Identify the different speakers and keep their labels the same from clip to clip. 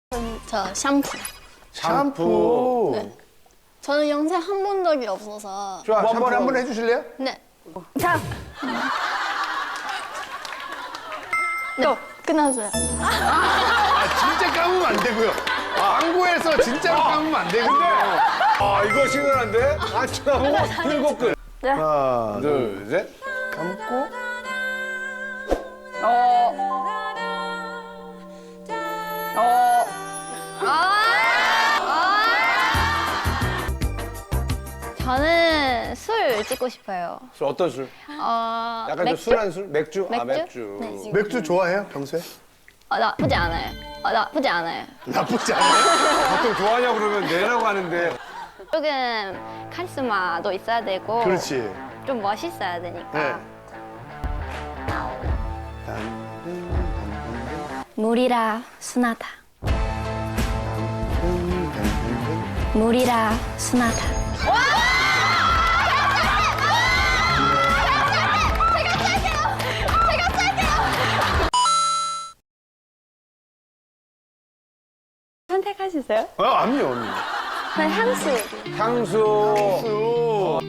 Speaker 1: 저 샴푸.
Speaker 2: 샴푸.
Speaker 1: 네. 저는 영생 한 번 적이 없어서.
Speaker 2: 좋아, 샴푸 한번 해주실래요?
Speaker 1: 네.
Speaker 3: 자,
Speaker 1: 네. 끝났어요.
Speaker 2: 아, 진짜 감으면 안 되고요. 광고에서 진짜로 감으면 안 되는데.
Speaker 4: 아, 이거 신선한데? 아, 쳐다보고 들고 끝.
Speaker 3: 네.
Speaker 2: 하나,
Speaker 4: 둘, 셋.
Speaker 2: 감고.
Speaker 1: 저는 술 찍고 싶어요.
Speaker 4: 술, 어떤 술? 약간 좀
Speaker 1: 맥주?
Speaker 4: 순한 술? 맥주? 아,
Speaker 1: 맥주?
Speaker 4: 맥주.
Speaker 1: 네.
Speaker 2: 맥주 좋아해요, 평소에?
Speaker 1: 나쁘지 않아요. 나쁘지 않아요.
Speaker 2: 나쁘지 않아요?
Speaker 4: 보통 좋아하냐고 그러면 내라고 하는데.
Speaker 1: 조금 카리스마도 있어야 되고.
Speaker 2: 그렇지.
Speaker 1: 좀 멋있어야 되니까.
Speaker 2: 네.
Speaker 1: 물이라 순하다. 물이라 순하다.
Speaker 3: 선택하시세요?
Speaker 2: 압니요, 압니.
Speaker 3: 전 향수.
Speaker 4: 향수.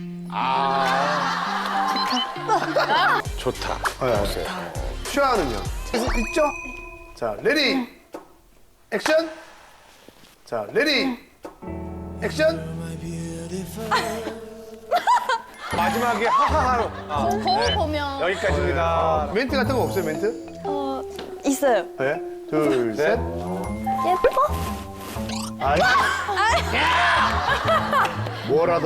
Speaker 2: 좋다. 슈아는요? 있죠? 자, 레디, 액션. 자, 레디, 액션.
Speaker 4: 마지막에 하하하로.
Speaker 1: 거울 보면.
Speaker 4: 여기까지입니다.
Speaker 2: 멘트 같은 거 없어요, 멘트?
Speaker 3: 있어요.
Speaker 2: 네. 둘,
Speaker 4: 셋.
Speaker 2: 셋.
Speaker 3: 예뻐?
Speaker 2: 아이. 뭐라도